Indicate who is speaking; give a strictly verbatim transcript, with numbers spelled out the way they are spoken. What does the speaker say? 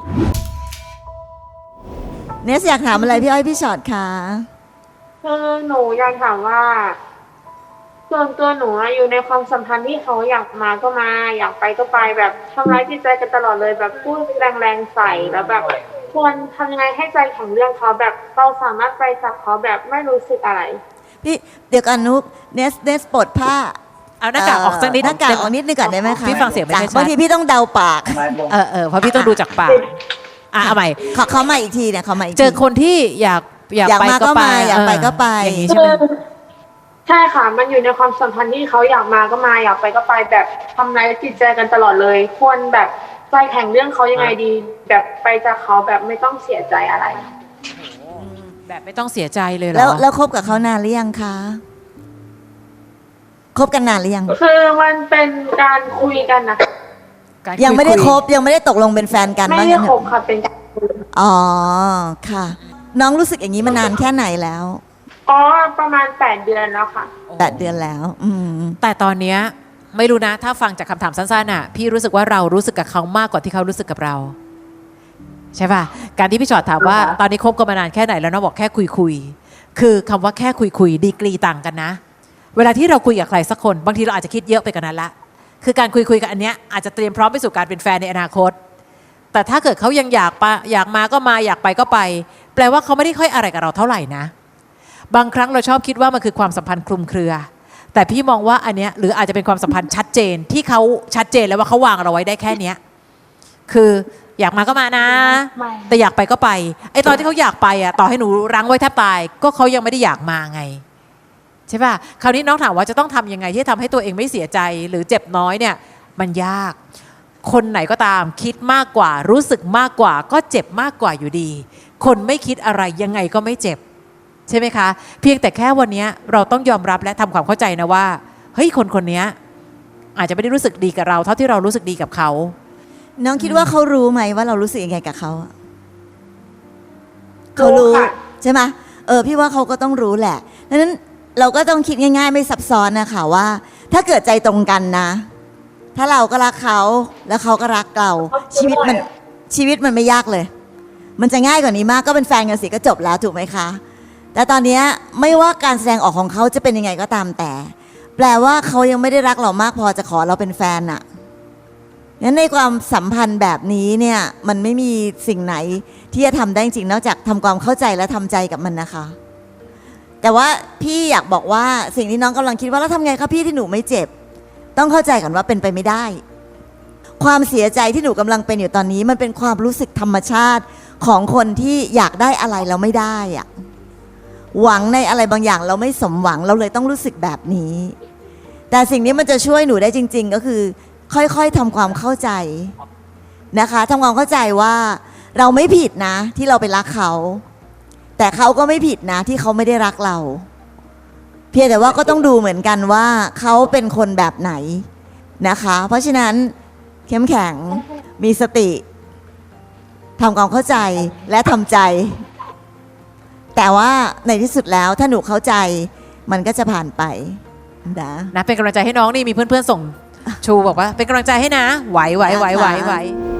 Speaker 1: เนสอยากถามอะไรพี่อ้อยพี่ชอตคะ
Speaker 2: คือหนูอยากถามว่าส่วนตัวหนูอยู่ในความสัมพันธ์ที่เขาอยากมาก็มาอยากไปก็ไปแบบทำร้ายจิตใจกันตลอดเลยแบบพูดแรงๆใส่แล้วแบบควรทำยังไงให้ใจแข็งเรื่องเขาแบบเราสามารถไปจากเขาแบบไม่รู้สึกอะไร
Speaker 1: พี่เดี๋ยวกันนุกเนสเนสปลดผ้า
Speaker 3: เอาหน้ากากออกสักนิด
Speaker 1: หน้ากากออกนิดนึงก่อนได้ไหมคะ
Speaker 3: พี่ฟังเสียงไม่ค่อยชัด
Speaker 1: บางทีพี่ต้องเดาปาก
Speaker 3: เออเออเพราะพี่ต้องดูจากปากอ่ะเอาใหม่
Speaker 1: ขอเขามาอีกทีเนี่ยเขามาอีก
Speaker 3: เจอคนที่อยากอยากไปก็ไป
Speaker 1: อยากไปก็ไป
Speaker 3: อย่างนี้ใช่ไหม
Speaker 2: ใช่ค่ะมันอยู่ในความสัมพันธ์ที่เขาอยากมาก็มาอยากไปก็ไปแบบทำร้ายจิตใจกันตลอดเลยควรแบบใจแข็งเรื่องเขายังไงดีแบบไปจากเขาแบบไม่ต้องเสียใจอะไร
Speaker 3: แบบไม่ต้องเสียใจเลยเหรอ
Speaker 1: แล้วแล้วคบกับเขานานหรือยังคะคบกันนานหรือยัง
Speaker 2: คือมันเป็นการคุยกันนะ
Speaker 1: ยังไม่ได้คบยังไม่ได้ตกลงเป็นแฟนกัน
Speaker 2: ไม่ได้คบค่ะเป็นการคุย
Speaker 1: อ๋อค่ะน้องรู้สึกอย่างนี้มานานแค่ไหนแล้ว
Speaker 2: อ๋อประมาณแปดเดือนแล้วค่ะ
Speaker 1: แปดเดือนแล้วอืม
Speaker 3: แต่ตอนเนี้ยไม่รู้นะถ้าฟังจากคำถามสั้นๆน่ะพี่รู้สึกว่าเรารู้สึกกับเขามากกว่าที่เขารู้สึกกับเราใช่ป่ะการที่พี่ชอตถามว่าตอนนี้คบกันมานานแค่ไหนแล้วน้องบอกแค่คุยคุยคือคำว่าแค่คุยคุยดีกรีต่างกันนะเวลาที่เราคุยกับใครสักคนบางทีเราอาจจะคิดเยอะไปกว่านั้นละคือการคุยคุยกับอันเนี้ยอาจจะเตรียมพร้อมไปสู่การเป็นแฟนในอนาคตแต่ถ้าเกิดเขายังอยากไปอยากมาก็มาอยากไปก็ไปแปลว่าเขาไม่ได้ค่อยอะไรกับเราเท่าไหร่นะบางครั้งเราชอบคิดว่ามันคือความสัมพันธ์คลุมเครือแต่พี่มองว่าอันเนี้ยหรืออาจจะเป็นความสัมพันธ์ชัดเจนที่เขาชัดเจนแล้วว่าเขาวางเราไว้ได้แค่เนี้ยคืออยากมาก็มานะแต่อยากไปก็ไปไอ้ตอนที่เขาอยากไปอ่ะต่อให้หนูรั้งไว้แทบตายก็เขายังไม่ได้อยากมาไงใช่ป่ะคราวนี้น้องถามว่าจะต้องทำยังไงที่ทำให้ตัวเองไม่เสียใจหรือเจ็บน้อยเนี่ยมันยากคนไหนก็ตามคิดมากกว่ารู้สึกมากกว่าก็เจ็บมากกว่าอยู่ดีคนไม่คิดอะไรยังไงก็ไม่เจ็บใช่ไหมคะเพียงแต่แค่วันนี้เราต้องยอมรับและทำความเข้าใจนะว่าเฮ้ยคนคนนี้อาจจะไม่ได้รู้สึกดีกับเราเท่าที่เรารู้สึกดีกับเขา
Speaker 1: น้องคิดว่าเขารู้ไหมว่าเรารู้สึกยังไงกับเขาเขารู้ใช่ไหมเออพี่ว่าเขาก็ต้องรู้แหละดังนั้นเราก็ต้องคิดง่ายๆไม่ซับซ้อนนะคะว่าถ้าเกิดใจตรงกันนะถ้าเราก็รักเขาแล้วเขาก็รักเราชีวิตมันชีวิตมันไม่ยากเลยมันจะง่ายกว่านี้มากก็เป็นแฟนกันสิก็จบแล้วถูกไหมคะแต่ตอนนี้ไม่ว่าการแสดงออกของเขาจะเป็นยังไงก็ตามแต่แปลว่าเขายังไม่ได้รักเรามากพอจะขอเราเป็นแฟนน่ะงั้นในความสัมพันธ์แบบนี้เนี่ยมันไม่มีสิ่งไหนที่จะทำได้จริงนอกจากทำความเข้าใจและทำใจกับมันนะคะแต่ว่าพี่อยากบอกว่าสิ่งที่น้องกำลังคิดว่าแล้วทำไงคะพี่ที่หนูไม่เจ็บต้องเข้าใจก่อนว่าเป็นไปไม่ได้ความเสียใจที่หนูกำลังเป็นอยู่ตอนนี้มันเป็นความรู้สึกธรรมชาติของคนที่อยากได้อะไรแล้วไม่ได้อะหวังในอะไรบางอย่างเราไม่สมหวังเราเลยต้องรู้สึกแบบนี้แต่สิ่งนี้มันจะช่วยหนูได้จริงๆก็คือค่อยๆทำความเข้าใจนะคะทำความเข้าใจว่าเราไม่ผิดนะที่เราไปรักเขาแต่เขาก็ไม่ผิดนะที่เขาไม่ได้รักเราเพียงแต่ว่าก็ต้องดูเหมือนกันว่าเขาเป็นคนแบบไหนนะคะเพราะฉะนั้นเข้มแข็งมีสติทำความเข้าใจและทำใจแต่ว่าในที่สุดแล้วถ้าหนูเข้าใจมันก็จะผ่านไปนะ
Speaker 3: นะเป็นกำลังใจให้น้องนี่มีเพื่อนๆส่งชูบอกว่าเป็นกำลังใจให้นะไหวไหวไหวไหวไหว